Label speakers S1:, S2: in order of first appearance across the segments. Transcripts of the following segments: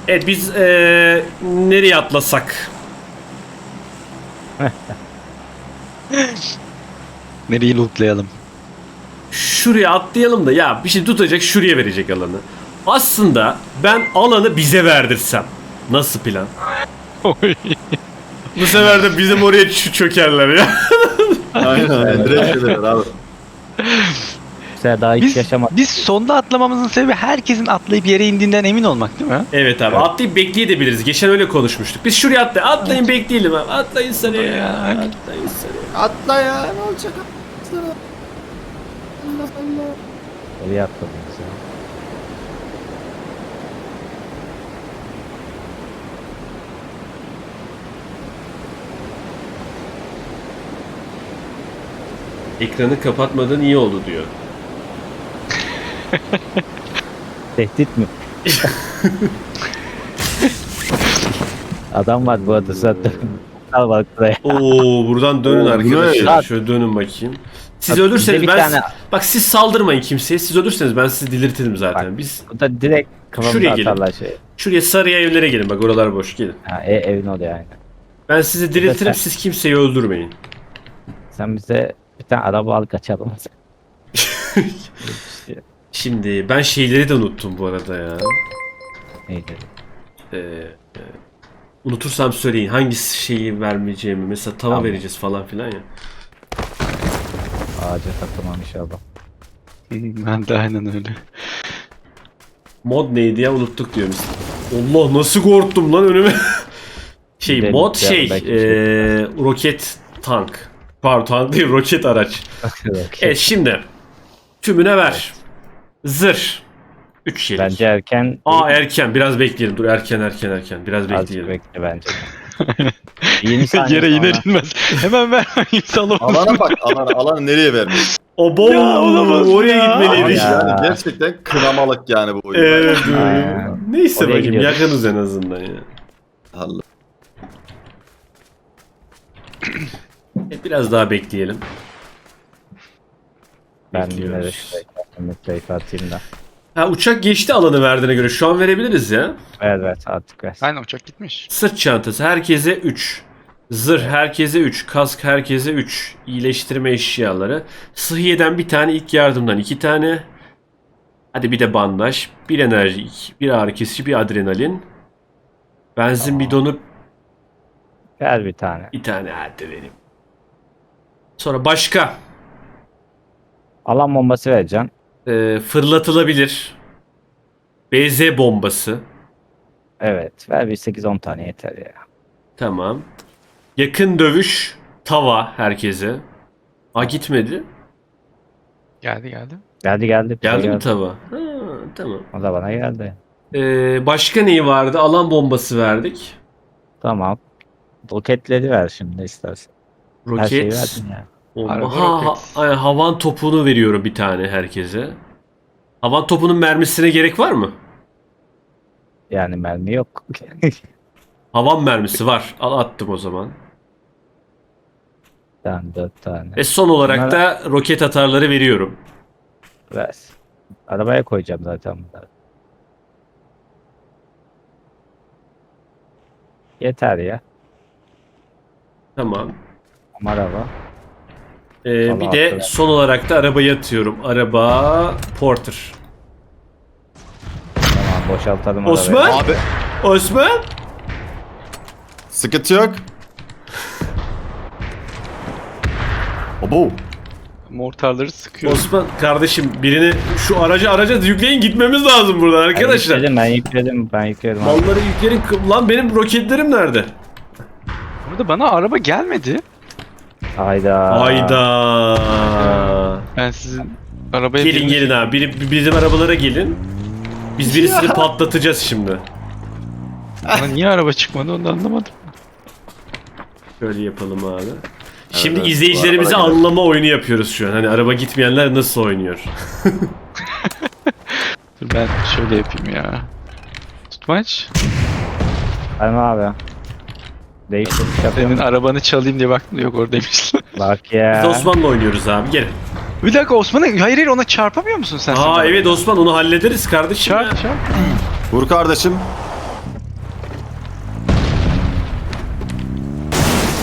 S1: Evet biz nereye atlasak?
S2: Nereyi lootlayalım?
S1: Şuraya atlayalım da ya bir şey tutacak şuraya verecek alanı. Aslında ben alanı bize verdirsem. Nasıl plan? Bu sefer de bizim oraya çökerler ya.
S3: Aynen. Direkt şeyler abi.
S4: Mesela daha hiç yaşamadım.
S2: Biz sonda atlamamızın sebebi herkesin atlayıp yere indiğinden emin olmak değil mi?
S1: Evet abi atlayıp bekleyebiliriz. Geçen öyle konuşmuştuk. Biz şuraya atlayın bekleyelim abi. Atlayın sarıya ya. Atlayın sarıya.
S3: Atla ya ne olacak? Atla. Allah Allah.
S4: Oraya atladınız ya.
S1: Ekranı kapatmadan iyi oldu diyor.
S4: Tehdit mi? Adam var bu arada zaten. Al bak buraya.
S1: Oo buradan dönün
S3: Oo,
S1: arkadaşlar.
S4: ne?
S1: Şöyle dönün bakayım. Siz
S4: Bak,
S1: ölürseniz
S4: bizde bir
S1: ben
S4: tane-
S1: bak siz saldırmayın kimseye. Siz ölürseniz ben sizi delirtirim zaten.
S4: Bak.
S1: Biz
S4: Bu da direkt
S1: Şuraya
S4: kafamda
S1: gelin.
S4: atarlar şey.
S1: şuraya sarıya evlere gelin. Bak oralar boş gelin.
S4: Ha, evin oluyor yani.
S1: Ben sizi diriltirim.
S4: sen-
S1: Siz kimseyi öldürmeyin.
S4: Sen bize bir tane araba al kaçalım.
S1: Şimdi ben şeyleri de unuttum bu arada ya.
S4: Neydi?
S1: Ee, unutursam söyleyin hangi şeyi vermeyeceğimi. Mesela tava
S4: Tamam.
S1: vereceğiz falan filan ya.
S4: Ağaca takılmam inşallah.
S2: Ben de aynen öyle.
S1: Mod neydi ya unuttuk diyor biz. Allah nasıl korktum lan önüme.
S4: Gidelim,
S1: Mod
S4: gidelim, belki bir şey
S1: roket tank. Pardon tank değil roket araç. Evet şimdi tümüne ver. Zırh. 3 yelek.
S4: Bence erken.
S1: Erken biraz bekleyelim. Dur erken biraz
S4: Azıcık
S1: bekleyelim.
S4: bekle bence. 20 saniye
S2: Yere iner
S4: sonra.
S2: inmez. Hemen vermeyeyim salamam.
S3: Alana bak alana nereye vermiş?
S1: Obo
S2: Ya, olamaz
S1: oraya
S2: ya.
S1: gitmeliydik.
S4: Ya.
S3: Yani gerçekten kınamalık yani bu oyun.
S1: Evet.
S4: Aynen.
S1: Neyse
S4: Oraya
S1: bakayım
S4: gidiyoruz.
S1: yakınız en azından ya.
S3: Allah.
S1: Biraz daha bekleyelim.
S4: Ben yine de
S1: Bekliyoruz.
S4: şuraya metrayı atayım da.
S1: Ha uçak geçti alanı verdiğine göre şu an verebiliriz ya.
S4: Evet artık ver.
S2: Aynen uçak gitmiş.
S1: Sırt çantası herkese 3. Zırh herkese 3. Kask herkese 3. İyileştirme eşyaları. Sıhhiyeden bir tane, ilk yardımdan 2 tane. Hadi bir de bandaj. Bir enerji, bir ağrı kesici, bir adrenalin. Benzin bidonu
S4: Ver bir tane.
S1: bir tane hadi vereyim. Sonra başka.
S4: Alan bombası vereceksin.
S1: Fırlatılabilir. BZ bombası.
S4: Evet. Ver bir 8-10 tane yeter ya.
S1: Tamam. Yakın dövüş. Tava herkese. Gitmedi.
S2: Geldi.
S4: Geldi. Bize
S1: Geldi mi tava? Tamam.
S4: O da bana geldi.
S1: Başka neyi vardı? Alan bombası verdik.
S4: Tamam. Roketleri ver şimdi istersen. Her şeyi
S1: Roket.
S4: verdin ya.
S2: Araba roket.
S1: Aynen, havan topunu veriyorum bir tane herkese. Havan topunun mermisine gerek var mı?
S4: Yani mermi yok.
S1: Havan mermisi var. Al attım o zaman.
S4: Tamam 4 tane.
S1: Ve son olarak
S4: Bunlara-
S1: da roket atarları veriyorum.
S4: Ver. Arabaya koyacağım zaten bunları. Yeter ya.
S1: Tamam.
S4: Ama araba.
S1: Bir
S4: Tamam,
S1: de
S4: hatırladım.
S1: son olarak da arabayı atıyorum. Araba Porter.
S4: Tamam boşaltalım
S1: Osman?
S4: arabayı.
S3: Abi
S1: Osman?
S3: sıkıntı yok. Obo.
S2: Mortarları sıkıyor.
S1: Osman kardeşim birini şu araca yükleyin gitmemiz lazım buradan arkadaşlar.
S4: Ben yükledim. abi.
S1: Malları yükleyin. Lan benim roketlerim nerede?
S2: Burada bana araba gelmedi.
S4: Hayda.
S1: Hayda.
S2: Ben sizin arabaya
S1: Gelin abi. Bizim arabalara gelin. Biz birisini patlatacağız şimdi.
S2: Bana niye araba çıkmadı onu da anlamadım.
S1: Şöyle yapalım abi. Şimdi
S3: Evet,
S1: izleyicilerimize
S3: bu arabalara
S1: anlama oyunu yapıyoruz şu an. Hani araba gitmeyenler nasıl oynuyor?
S2: Dur ben şöyle yapayım ya. Tutmaç.
S4: Aynen abi. Değiştirmiş
S2: Senin
S4: yapıyorum.
S2: arabanı çalayım diye baktım da yok oradaymış.
S4: Bak
S1: Biz
S4: ya.
S1: Osman'la oynuyoruz abi. Gelin.
S2: Bir dakika Osman'a hayır ona çarpamıyor musun sen?
S1: Evet Osman onu hallederiz kardeşim. ya.
S2: Çarp.
S3: Vur kardeşim.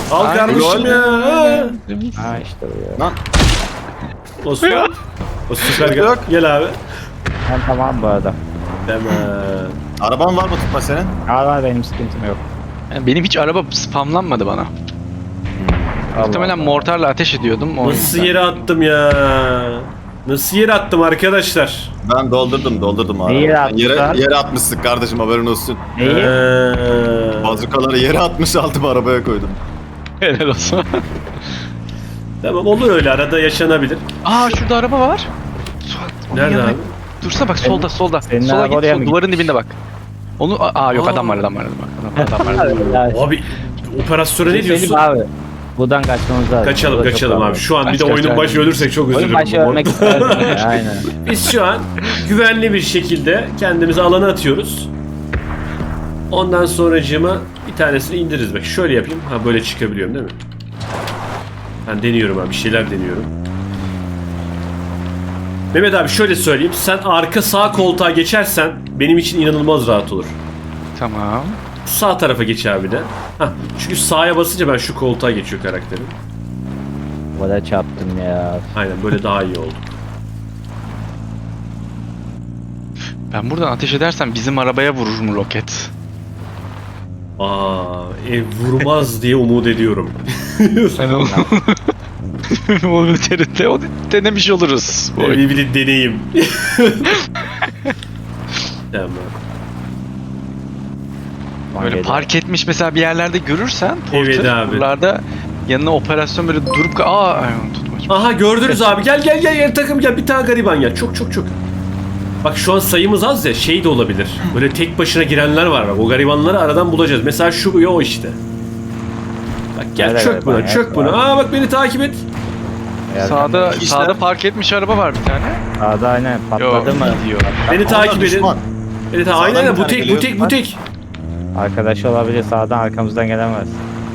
S1: Al
S2: Aynen.
S1: kardeşim ya.
S4: Ha işte bu ya.
S3: Lan
S1: Osman. O süper gel.
S3: Yok.
S1: Gel abi.
S4: Ben tamam bu arada.
S1: Hemen.
S3: araban var mı tutma senin?
S4: Var benim sıkıntım yok.
S2: Yani benim hiç araba spamlanmadı bana. Muhtemelen mortarla ateş ediyordum. O
S1: Nasıl
S2: yüzden.
S1: yere attım ya? Nasıl yere attım arkadaşlar?
S3: Ben doldurdum abi.
S4: Neyi yere atmışlar?
S3: Yere atmışsın kardeşim, haberin olsun.
S4: Neyi?
S3: Bazukaları yere atmış, aldım arabaya koydum.
S2: Helal olsun.
S1: Tamam, olur öyle, arada yaşanabilir.
S2: Aa şurada araba var. Suat, onun
S1: Nerede
S2: yanına-
S1: abi?
S2: Dursana bak solda solda.
S4: senin
S2: Sola
S4: araba
S2: git
S4: oraya mı
S2: sol, duvarın dibinde bak. Onu yok
S1: Aa.
S2: adam var.
S1: Abi operasyona ne diyorsun?
S4: Abi. Buradan kaçmamız lazım.
S1: Kaçalım
S4: Burada çok
S1: kaçalım abi.
S4: kalabalık.
S1: Şu an bir de
S2: Kaç,
S1: oyunun
S2: kaç,
S1: başı
S2: aynen.
S1: ölürsek çok
S4: Oyun
S1: üzülürüm.
S4: başı ölmek isterdim ya, aynen.
S1: Biz şu an güvenli bir şekilde kendimizi alana atıyoruz. Ondan sonracığıma bir tanesini indiririz. Bak şöyle yapayım. Ha, böyle çıkabiliyorum değil mi? Ben deniyorum abi. Bir şeyler deniyorum. Mehmet abi şöyle söyleyeyim. Sen arka sağ koltuğa geçersen benim için inanılmaz rahat olur.
S2: Tamam.
S1: Sağ tarafa geç abi de. Hah, çünkü sağa basınca ben şu koltuğa geçiyor karakterim.
S4: Bana çarptım ya.
S1: Aynen, böyle daha iyi oldu.
S2: Ben buradan ateş edersem bizim arabaya vurur mu roket?
S1: Vurmaz diye umut ediyorum.
S2: Ben onu... Onun üzerinde onu denemiş oluruz. Bu oyun.
S1: Bir deneyim. Tamam.
S2: Böyle park etmiş mesela bir yerlerde görürsen
S1: Evet
S2: porter,
S1: abi.
S2: buralarda yanına operasyon böyle durup tutmaç.
S1: Aha, gördünüz abi. Gel takım gel. Bir tane gariban gel. Çok. Bak şu an sayımız az ya, şey de olabilir. Böyle tek başına girenler var bak. O garibanları aradan bulacağız. Mesela şu o işte. Bak gel,
S4: Nerede
S1: çök buna,
S4: gariban ya?
S1: çök buna. Aa bak, beni takip et.
S2: Sağda park etmiş araba var bir tane.
S4: Sağda aynen patladı mı?
S2: Gidiyor.
S1: Beni takip edin.
S3: Düşman.
S1: Evet,
S3: Sağdan
S1: aynen
S3: bir
S1: bu
S3: tane
S1: tek.
S3: geliyor.
S4: Arkadaş olabilir, sağdan arkamızdan gelemez.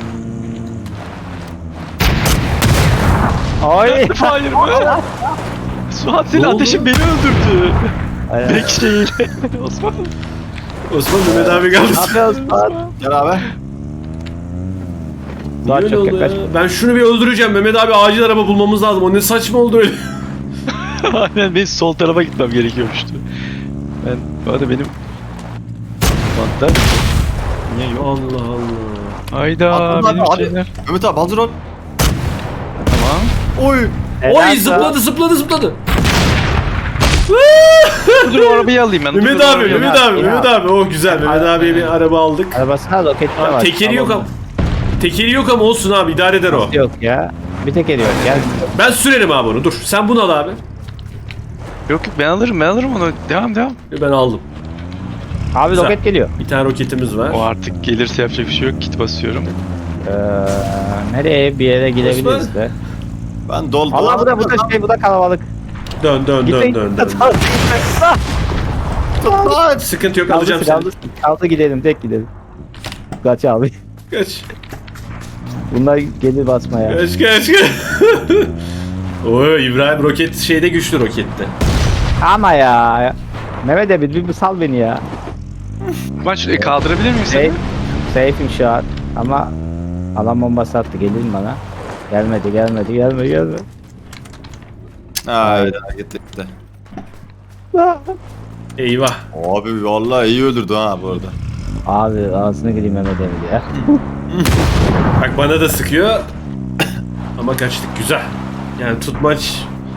S4: Ay!
S2: Hayır mı? Suat
S1: Ne
S2: senin
S1: oldu?
S2: ateşin beni öldürdü.
S4: Aynen.
S2: Tek şeyle. Osman.
S1: Osman, Mehmet abi geldi.
S4: Ne yapıyorsun Suat?
S3: Gel abi.
S1: Niye
S4: Suat
S1: öyle
S4: çok
S1: oldu ya?
S4: yaklaş.
S1: Ben şunu bir öldüreceğim. Mehmet abi, acil araba bulmamız lazım. O ne saçma oldu öyle.
S2: Aynen benim sol tarafa gitmem gerekiyormuştu. Ben bu arada benim Suat'ta niye yok?
S1: Allah Allah.
S2: Hayda
S3: Atladı
S2: benim
S3: abi.
S2: şeyler.
S3: Mehmet abi hazır ol.
S2: Tamam.
S3: Oy.
S4: Helal
S1: Oy,
S4: Suat.
S1: zıpladı.
S2: Dur o arabayı alayım ben.
S1: Mehmet
S2: Dur,
S1: abi,
S2: arabayı
S1: Mehmet
S2: alayım.
S1: abi, Mehmet abi. Oh güzel. Mehmet abiye bir araba aldık.
S4: Arabasına roketi de
S1: Abi,
S4: var.
S1: tekeri yok ama. Tekeri yok ama olsun abi, idare eder o.
S4: Yok ya. Bir tekeri yok. Gel.
S1: Ben sürerim abi onu. Dur. Sen bunu al abi.
S2: Yok ben alırım onu. Devam.
S1: Ben aldım.
S4: Abi
S1: Güzel.
S4: roket geliyor.
S1: Bir tane roketimiz var.
S2: O artık gelirse yapacak bir şey yok. Kit basıyorum.
S4: Nereye bir yere gidebiliriz de.
S3: Ben doldum.
S4: Allah bu da kalabalık.
S1: Dön. Sıkıntı yok, alacağım seni.
S4: Kaldı gidelim, tek gidelim. Kaç abi.
S1: Kaç.
S4: Bunlar gelir basmaya.
S1: Kaç. Oy, İbrahim roket şeyde güçlü, rokette.
S4: Ama ya. Mehmet abi bir sal beni ya.
S2: Ben şurayı kaldırabilir miyim seni?
S4: Safe'im şu an. Ama alan bombası attı. Gelir mi bana? Gelmedi.
S3: Ha evet, gitti.
S1: Eyvah.
S3: Abi vallahi iyi öldürdü ha bu arada.
S4: Abi ağzına gireyim Mehmet abi ya.
S1: Bak bana da sıkıyor. Ama kaçtık, güzel. Yani tutmaç.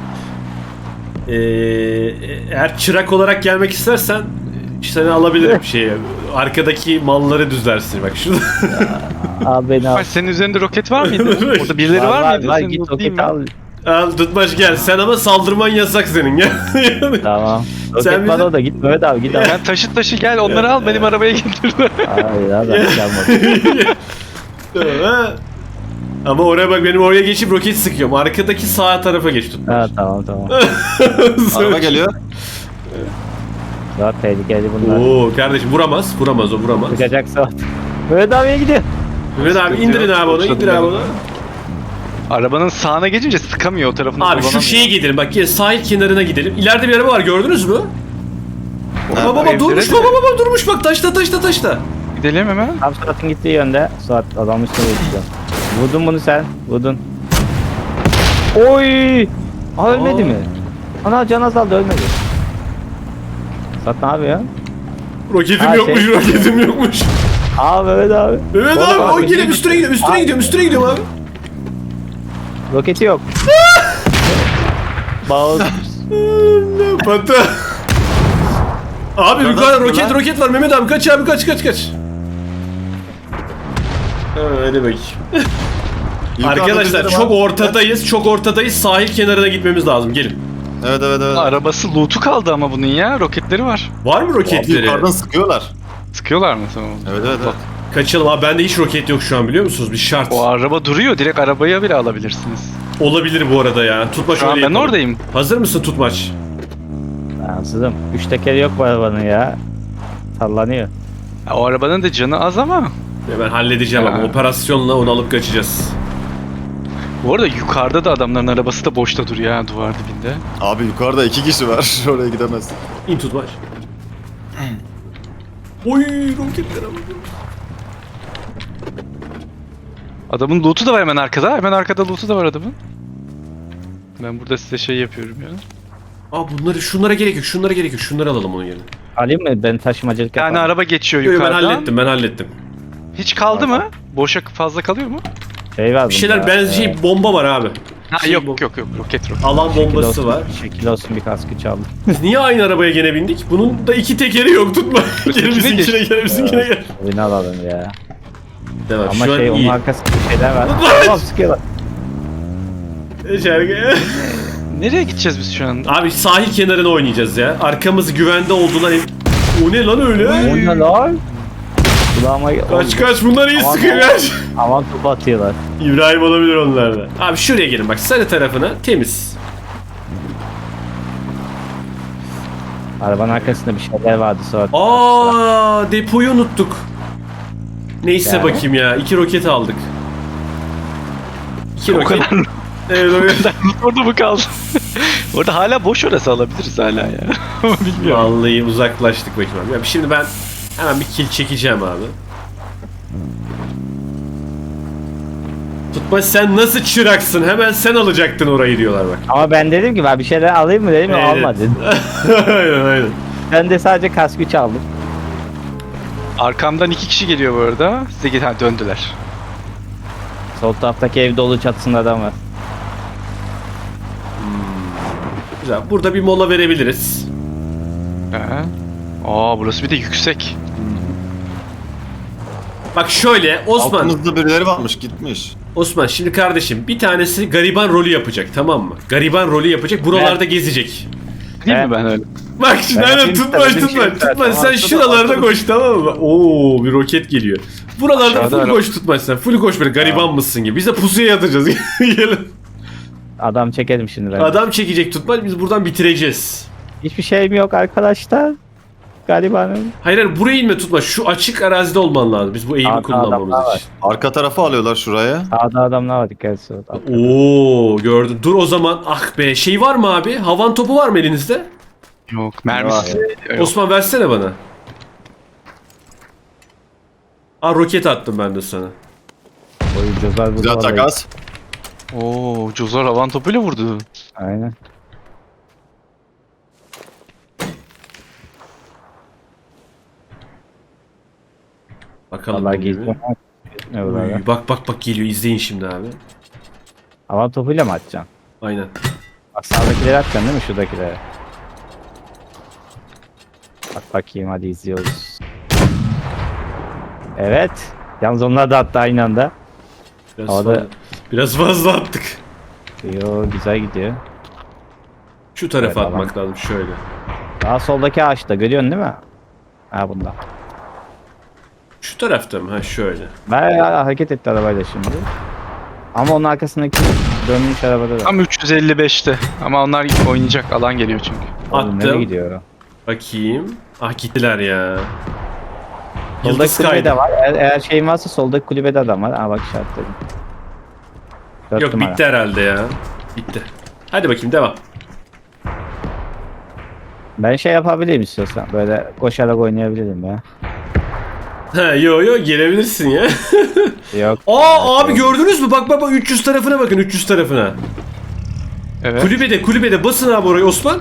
S1: Eğer çırak olarak gelmek istersen seni alabilirim şeye. Arkadaki malları düzlersin bak şurada.
S4: Abi beni al.
S2: Ay, senin üzerinde roket var mıydı? Orada birileri var mıydı?
S4: Var
S2: Seni
S4: git
S2: lootlayayım
S4: roket
S2: ben.
S4: al.
S1: Al tutmaç gel. Sen ama saldırman yasak senin. Gel.
S4: Tamam.
S1: Sen
S4: Roket var
S1: bizi-
S4: orada git Mehmet abi git al.
S2: Ben taşı gel onları al benim arabaya getir.
S4: Hayır abi gelmedi.
S1: Ha. Ama oraya bak, benim oraya geçip roket sıkıyorum. Arkadaki sağ tarafa geç tutmaç.
S4: Ha tamam.
S3: Araba geliyor.
S4: Daha tehlikeli bunlar.
S1: Oo kardeşim, vuramaz o vuramaz.
S4: Çıkacak saat. Mehmet abiye gidiyor.
S1: Mehmet abi indirin abi onu, indir abi onu.
S2: Arabanın sağına geçince sıkamıyor o tarafını
S1: Abi şu
S2: kullanamıyor.
S1: şeye gidelim bak, gel sahil kenarına gidelim. İleride bir araba var, gördünüz mü?
S3: Ha,
S1: Baba
S2: evlere
S1: durmuş,
S2: de-
S1: baba durmuş bak, taşta.
S2: Gidelim hemen.
S4: Tam Suat'ın gittiği yönde. Suat adam üstüne geçiyor. Vurdun bunu sen. Vurdun. Oy! Aa, ölmedi
S1: Aa.
S4: mi? Ana can azaldı ölmedi. Sat ne yapıyor?
S1: Roketim
S4: Ha,
S1: yokmuş,
S4: şey-
S1: roketim yokmuş.
S4: Aa Mehmet abi.
S1: Mehmet
S4: Oğlum,
S1: abi o
S4: abi,
S1: gelip üstüne gidiyorum, üstüne
S4: Abi.
S1: gidiyorum, üstüne gidiyorum abi.
S4: Roketi yok. Bağlı.
S1: Batı. Abi yukarıda roket
S4: lan.
S1: roket var Mehmet abi kaç abi kaç. Ha, hadi bakayım. Arkadaşlar çok ortadayız, çok ortadayız. Sahil kenarına gitmemiz lazım. Gelin.
S3: Evet.
S2: Arabası loot'u kaldı ama bunun ya. Roketleri var.
S1: Var mı
S3: Abi
S1: roketleri?
S3: yukarıdan sıkıyorlar.
S2: Sıkıyorlar mı tamam?
S3: Evet.
S1: Kaçalım abi. Bende hiç roket yok şu an biliyor musunuz? Bir şart.
S2: O araba duruyor. Direkt arabaya bile alabilirsiniz.
S1: Olabilir bu arada ya. Tutmaç
S2: Şu an
S1: öyle
S2: ben
S1: yapalım.
S2: oradayım.
S1: Hazır mısın Tutmaç?
S4: Ansızım. 3 tekeri yok bu arabanın ya. Sallanıyor.
S2: Ya, o arabanın da canı az ama.
S1: Ben halledeceğim ama
S2: Ha.
S1: operasyonla onu alıp kaçacağız.
S2: Bu arada yukarıda da adamların arabası da boşta duruyor ha duvar dibinde.
S3: Abi yukarıda 2 kişi var. Oraya gidemez.
S1: İn Tutmaç. Oy roketlere bak.
S2: Adamın loot'u da var hemen arkada. Hemen arkada loot'u da var adamın. Ben burada size şey yapıyorum ya.
S1: Aa şunlara gerek yok. Şunları alalım onun yerine.
S4: Alayım mı? Ben taşımacılık
S2: Yani
S4: yapayım.
S2: araba geçiyor
S1: Yo, ben
S2: yukarıdan.
S1: hallettim.
S2: Hiç kaldı mı? Boşa fazla kalıyor mu?
S4: Şey var
S1: Bir şeyler
S4: bunda,
S1: benzi bomba var abi.
S2: Ha
S1: Şey
S2: yok
S1: bu-
S2: yok roket.
S1: Alan
S4: şekil
S1: bombası
S4: olsun,
S1: var.
S4: Şekil olsun bir kaskı çaldım.
S1: Biz niye aynı arabaya gene bindik? Bunun da iki tekeri yok tutma. Gel
S2: Ötekine
S1: bizimkine
S2: geç.
S1: gel bizimkine gel.
S4: Oyunu alalım ya.
S1: Tamam
S4: Ama
S1: şu an
S4: şey onun
S1: iyi.
S4: arkasında şeyler var. Tamam sıkıyorlar.
S1: Şarkı.
S2: Nereye gideceğiz biz şu an?
S1: Abi sahil kenarına oynayacağız ya. Arkamız güvende olduğundan O ne lan öyle?
S4: O ne lan? Kulağıma
S1: Kaç bunlar iyi
S4: Aman
S1: sıkıyor
S4: Allah'ım.
S1: kaç.
S4: Aman topu atıyorlar.
S1: İbrahim olabilir onlarda. Abi şuraya gelin bak sarı tarafına temiz.
S4: Arabanın arkasında bir şeyler vardı sonra.
S1: Aa depoyu unuttuk. Neyse
S4: Yani?
S1: bakayım ya. 2 roket aldık. 2
S2: O
S1: roket.
S2: kadar
S1: Evet roket.
S2: orada mı kaldı? Orada hala boş orası alabiliriz hala ya. Ama bilmiyorum.
S1: Vallahi uzaklaştık bakayım abi. Ya şimdi ben hemen bir kill çekeceğim abi. Tutma sen nasıl çıraksın? Hemen sen alacaktın orayı diyorlar bak.
S4: Ama ben dedim ki ben bir şeyler alayım mı dedim
S1: Evet.
S4: almadı.
S1: aynen.
S4: Ben de sadece kaskı çaldım.
S2: Arkamdan 2 kişi geliyor bu arada. Size döndüler.
S4: Sol taraftaki ev dolu çatısında adam var.
S1: Güzel. Burada bir mola verebiliriz.
S2: Ha. Aa burası bir de yüksek.
S1: Bak şöyle Osman.
S3: Altımızda birileri varmış gitmiş.
S1: Osman şimdi kardeşim bir tanesi gariban rolü yapacak tamam mı? Gariban rolü yapacak. Buralarda gezecek.
S2: Değil
S4: Evet.
S2: mi ben öyle?
S1: Bak şimdi
S4: Ben
S1: aynen
S4: yapayım
S1: tutma
S4: istedim,
S1: tutma
S4: şey
S1: tutma
S4: istersen.
S1: sen şuralarda koş tamam mı? Oo bir roket geliyor. Buralarda
S2: Aşağıda
S1: full
S2: araba-
S1: koş tutma sen. Full koş böyle gariban mısın gibi. Biz de pusuya yatacağız. Gelin.
S4: Adam çekelim şimdi ben.
S1: Adam çekecek tutma biz buradan bitireceğiz.
S4: Hiçbir şeyim yok arkadaşlar. Garibanım.
S1: Hayır buraya inme tutma. Şu açık arazide olman lazım. Biz bu eğimi
S4: Sağda adamlar
S1: kullanmamız
S4: var.
S1: için.
S3: Arka tarafı alıyorlar şuraya.
S4: Sağda adamlar var dikkat et.
S1: Oo gördüm. Dur o zaman ah be şey var mı abi? Havan topu var mı elinizde?
S2: Yok mermisi. Yok.
S1: Osman versene bana. Aa roket attım ben de sana.
S4: Oyuncular burada.
S3: Güzel
S4: var.
S3: takas.
S2: Oo Cozar havan topuyla vurdu.
S4: Aynen.
S1: Bakalım.
S4: Vallahi
S1: ne gibi.
S4: gizli. Ne buralar?
S1: Uy, bak geliyor izleyin şimdi abi.
S4: Hava topuyla mı atacaksın?
S1: Aynen.
S4: Bak sağdakileri atacaksın değil mi şuradakileri? Bak bakayım hadi izliyoruz. Evet. Yalnız onlar da attı aynı anda.
S1: Biraz,
S4: Havada-
S1: fazla, biraz fazla attık.
S4: Yo güzel gidiyor.
S1: Şu tarafa
S4: Evet,
S1: atmak lazım şöyle.
S4: Daha soldaki ağaçta görüyorsun değil mi? Ha bunda.
S1: Şu tarafta mı? Ha şöyle.
S4: Ben hareket etti arabayla şimdi. Ama onun arkasındaki dönmüş arabada da.
S2: Tam 355'te. Ama onlar oynayacak alan geliyor çünkü.
S4: Oğlum, nereye
S1: Attım.
S4: gidiyor o?
S1: Bakayım. Ah gittiler ya.
S4: Soldaki
S1: Yıldız
S4: kulübede
S1: kaydı.
S4: var. Eğer şeyin varsa soldaki kulübede adam var. Aa bak işaretledim. 4
S1: Yok
S4: numara.
S1: bitti herhalde ya. Bitti. Hadi bakayım devam.
S4: Ben şey yapabilirim istiyorsan. Böyle koşarak oynayabilirim ya.
S1: Yo gelebilirsin ya.
S4: Yok.
S1: Aa abi gördünüz mü? Bak 300 tarafına bakın 300 tarafına.
S2: Evet.
S1: Kulübede basın abi orayı Osman.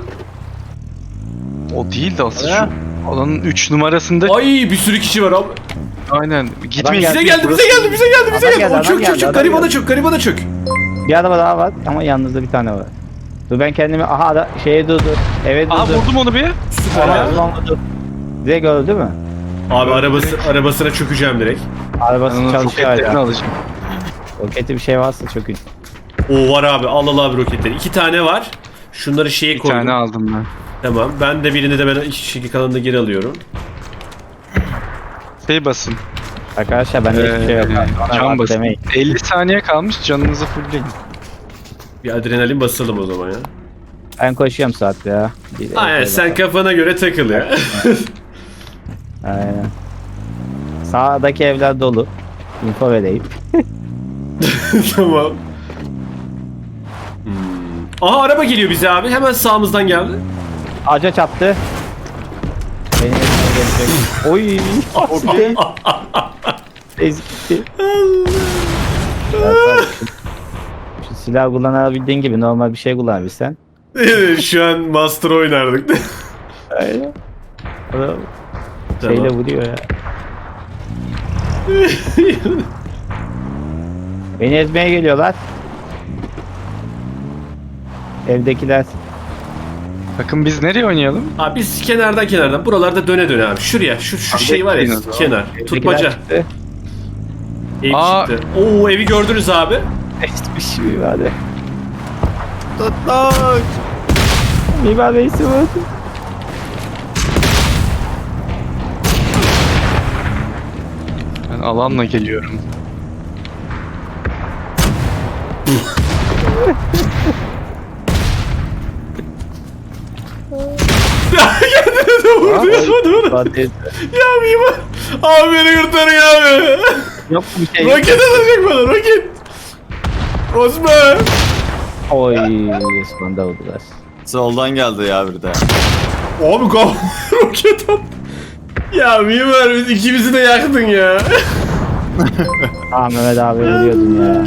S2: O değil de asıl
S3: Ha?
S2: şu alanın 3 numarasında.
S1: Ay bir sürü kişi var abi.
S2: Aynen. Gitmeyin.
S4: geldi.
S1: Bize geldi.
S4: Adam geldi,
S1: O
S4: adam
S1: çök
S4: geldi, adam
S1: garibana çök.
S4: Bir araba daha var ama yanınızda bir tane var. Dur ben kendimi aha da şeye durdu. Eve durdu.
S2: Aa vurdum onu bir.
S1: Süper
S4: Aha,
S1: ya.
S4: ulan vurdu. Direkt gördü mü?
S1: Abi arabasına çökeceğim direkt.
S4: Arabası
S2: Ben onun
S4: çalışıyor
S2: roketlerini
S4: hala.
S2: alacağım.
S4: Roketi bir şey varsa çökün.
S1: O var abi al abi roketleri. 2 tane var. Şunları şeye
S2: Bir
S1: koydum.
S2: tane aldım ben.
S1: Tamam. Ben de birini de ben şekil kalanını geri alıyorum.
S2: Şey basın.
S4: Arkadaşlar bende hiçbir şey yok. Bana
S2: Can
S4: bak
S2: basın.
S4: demeyin.
S2: 50 saniye kalmış, canınızı fullleyin.
S1: Bir adrenalin basalım o zaman ya.
S4: Ben koşuyorum saat ya.
S1: Aynen sen kafana göre takıl ya.
S4: Aynen. Sağdaki evler dolu. Info vereyim.
S1: Tamam. Aha araba geliyor bize abi. Hemen sağımızdan geldi.
S4: Ağaca çarptı. Benim elime gelecek. Oy. Gitti. Ezikti. Şu silah kullanabildiğin gibi normal bir şey kullanabilsen.
S1: Şu an Master oynardık.
S4: Aynen. Adam
S1: Tamam.
S4: şeyle vuruyor ya. Beni ezmeye geliyorlar. Evdekiler.
S2: Bakın biz nereye oynayalım?
S1: Abi biz kenardan buralarda döne abi. Şuraya şu şey var ya
S2: bekleyin o zaman.
S1: kenar.
S4: Evdekiler
S1: Tutmaca.
S4: çıktı.
S1: Ev
S2: Aa.
S1: çıktı. Oo evi gördünüz abi.
S4: Hiçbir şey vardı.
S3: Tutmak.
S4: Mimar Reis'i vurdu.
S2: Ben alanla geliyorum.
S4: Fatih.
S1: Ya mimar. Abi beni kurtarın abi.
S4: Yok bir şey.
S1: Roket atacak bana roket. Osman.
S4: Oy, Osman'da vurdular.
S3: Soldan geldi ya bir de.
S1: Abi roket at. Ya mimar biz ikimizi de yaktın ya.
S4: Ah Mehmet abi vuruyordun ya.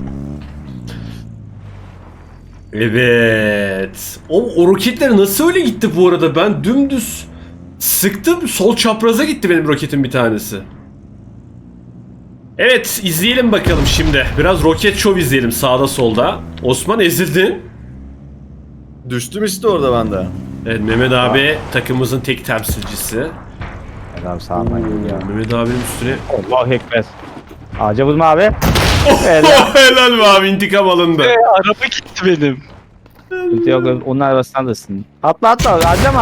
S1: Evet. O roketler nasıl öyle gitti bu arada? Ben dümdüz sıktım. Sol çapraza gitti benim roketin bir tanesi. Evet izleyelim bakalım şimdi. Biraz roket şov izleyelim sağda solda. Osman ezildin.
S3: Düştüm işte orada ben de.
S1: Evet Mehmet abi takımımızın tek temsilcisi.
S4: Mehmet abi sağdan geliyor.
S1: Mehmet abinin üstüne...
S4: Allahu Ekber. Ağaca vurma abi. Helal.
S1: Helal be abi intikam alındı.
S2: Araba gitti benim.
S4: Sıkıntı yok onun arabasını alırsın. Atla harcama.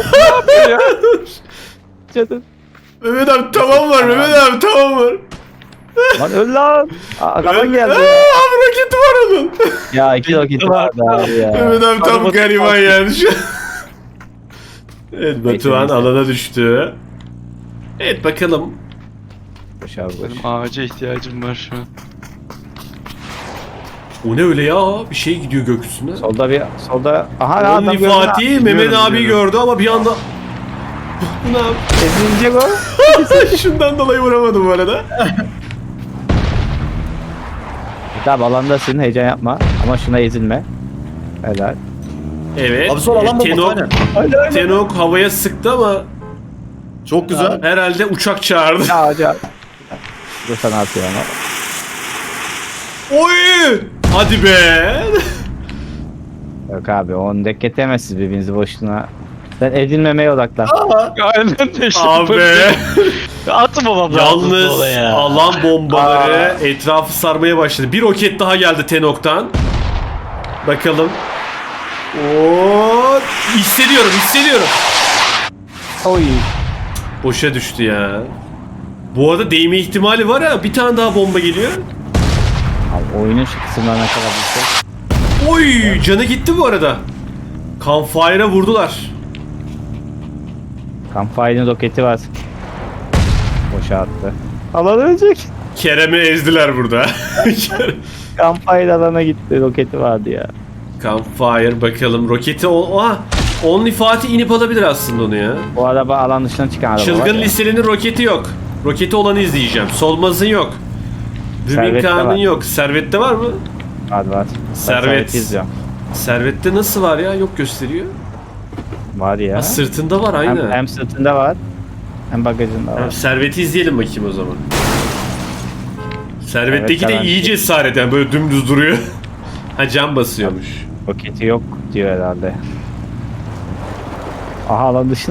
S4: Canım.
S1: Mehmet abi tamam var Mehmet abi tamam var.
S4: Lan öl lan. Arkadan geldi.
S1: Abi roketi var onun.
S4: Ya 2 roketi vardı abi ya.
S1: Mehmet abi tam
S2: Arabası
S1: gariban yani şu an. Evet Batuhan alana düştü. Evet bakalım.
S4: Boş abi boş.
S2: Benim ağaca ihtiyacım var şu an.
S1: O ne öyle ya? Bir şey gidiyor gökyüzüne.
S4: Solda aha adam
S1: Only
S4: gördün
S1: Fatih
S4: ha.
S1: Mehmet abi
S2: biliyorum.
S1: gördü ama bir anda... Bu ne abi?
S4: Ezilecek o.
S1: Şundan dolayı vuramadım bu arada.
S4: Tabi alandasın heyecan yapma ama şuna ezilme. Helal.
S1: Evet.
S3: Abi sol alan bombası
S1: Tenok,
S3: aynen.
S1: Tenok havaya sıktı ama
S3: Çok güzel.
S1: herhalde uçak çağırdı.
S4: Ya ağaca. Dur sana atıyor ama.
S1: Oy! Hadi be!
S4: Yok abi onu dek getemezsiniz birbirinizi boşluğuna. Sen edilmemeye odaklan.
S2: Aynen de işte.
S1: Abi!
S2: Atmamam lazım
S1: Yalnız
S2: oraya.
S1: alan bombaları etrafı sarmaya başladı. Bir roket daha geldi Tenok'tan. Bakalım. Oo, hissediyorum.
S4: Oy.
S1: Boşa düştü ya. Bu arada değme ihtimali var ya. Bir tane daha bomba geliyor.
S4: Abi oyunun şu kısımlarına kadar bulsak.
S1: Oy! Canı gitti bu arada. Campfire'a vurdular.
S4: Campfire'ın roketi var. Boşa attı. Alan ölecek.
S1: Kerem'i ezdiler burada.
S4: Campfire alana gitti. Roketi vardı ya.
S1: Campfire bakalım. Roketi Only Fatih inip alabilir aslında onu ya.
S4: Bu araba alan dışına çıkan araba var
S1: Çılgın
S4: ya.
S1: listenin roketi yok. Roketi olanı izleyeceğim. Solmaz'ın yok.
S4: Servet'te
S1: Rüminkan'ın
S4: var.
S1: yok. Servet'te var mı?
S4: Var. Ben
S1: Servet.
S4: izliyorum.
S1: Servet'te nasıl var ya? Yok gösteriyor.
S4: Var ya.
S1: Ha, sırtında var aynen.
S4: Hem sırtında var. Hem bagajında var.
S1: Servet'i izleyelim bakayım o zaman. Servet'teki
S4: Evet,
S1: de
S4: tamam.
S1: iyi cesaret yani böyle dümdüz duruyor. Ha cam basıyormuş.
S4: Roketi yok diyor herhalde. Aha alan dışına.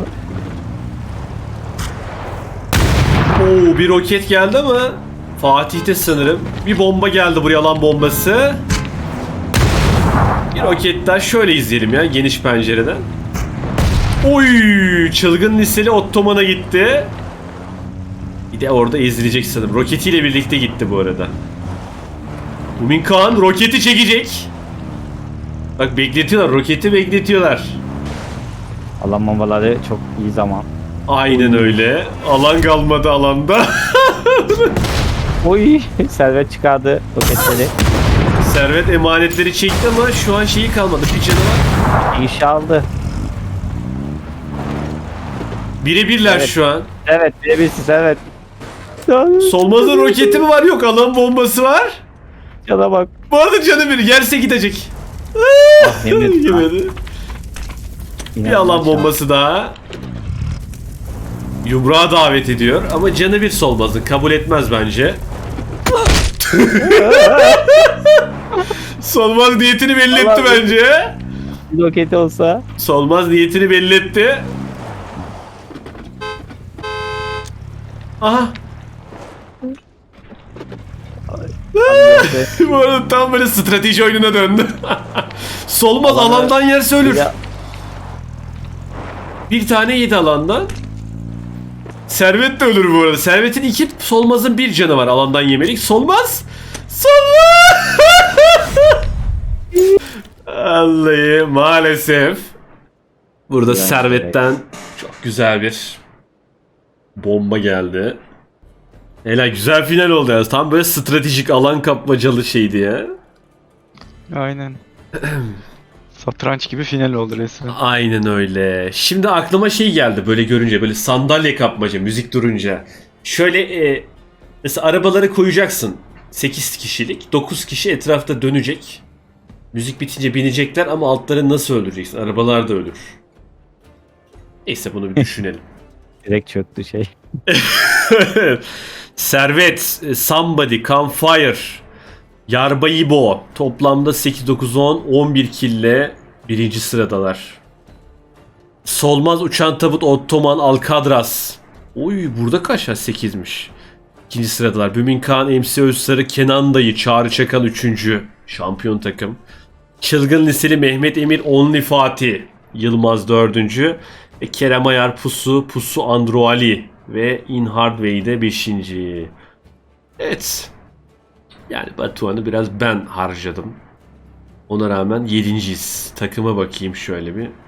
S1: Oo bir roket geldi ama Fatih'te sanırım. Bir bomba geldi buraya, alan bombası. Bir roket daha şöyle izleyelim ya geniş pencereden. Oy çılgın liseli Ottoman'a gitti. Bir de orada ezilecek sanırım. Roketiyle birlikte gitti bu arada. Umin Kağan roketi çekecek. Bak bekletiyorlar, roketi bekletiyorlar.
S4: Alan bombaları çok iyi zaman.
S1: Aynen öyle. Alan kalmadı alanda.
S4: Oy servet çıkardı roketleri.
S1: Servet emanetleri çekti ama şu an şeyi kalmadı. Bir canı var.
S4: İş aldı.
S1: Birebirler
S4: Evet.
S1: şu an.
S4: Evet birebirsiz evet.
S1: Solmaz'ın roketi mi var? Yok, alan bombası var.
S4: Cana bak.
S1: Bu arada canı bir yerse gidecek.
S4: Yemedi.
S1: Yemedi. Bir alan bombası daha. Yumruğa davet ediyor ama canı bir Solmaz'ın. Kabul etmez bence. Solmaz niyetini belli etti
S4: Allah
S1: bence.
S4: Roketi olsa.
S1: Solmaz niyetini belli etti. Aha. Bu arada tam böyle strateji oyununa döndü. Solmaz
S4: Alanı-
S1: alandan yerse ölür.
S4: Ya,
S1: Bir tane yedi alandan. Servet de ölür bu arada. Servet'in 2, Solmaz'ın 1 canı var alandan yemelik. Solmaz! Solmaz! Vallahi maalesef. Burada
S4: Yani
S1: Servet'ten çok güzel bir bomba geldi. Helal, güzel final oldu ya. Tam böyle stratejik alan kapmacalı şeydi ya.
S2: Aynen. Satranç gibi final oldu resmen.
S1: Aynen öyle. Şimdi aklıma şey geldi böyle görünce, böyle sandalye kapmaca müzik durunca. Şöyle mesela arabaları koyacaksın. 8 kişilik. 9 kişi etrafta dönecek. Müzik bitince binecekler ama altları nasıl öldüreceksin? Arabalar da ölür. Neyse bunu bir düşünelim.
S4: direkt çöktü şey.
S1: Servet, Somebody, Campfire, Yarbayibo toplamda 8, 9, 10, 11 kille birinci sıradalar. Solmaz, Uçan Tabut, Ottoman, Alcadraz. Oy burada kaç ya? 8'miş. İkinci sıradalar. Bümin Kağan, MC Özsarı, Kenan Dayı, Çağrı Çakal 3. Şampiyon takım. Çılgın Liseli Mehmet Emir, Only Fatih, Yılmaz 4. Ve Kerem Ayar, Pusu Androali ve In Hardway de 5. Evet. Yani Batuhan'ı biraz ben harcadım. Ona rağmen 7.yiz. Takıma bakayım şöyle bir.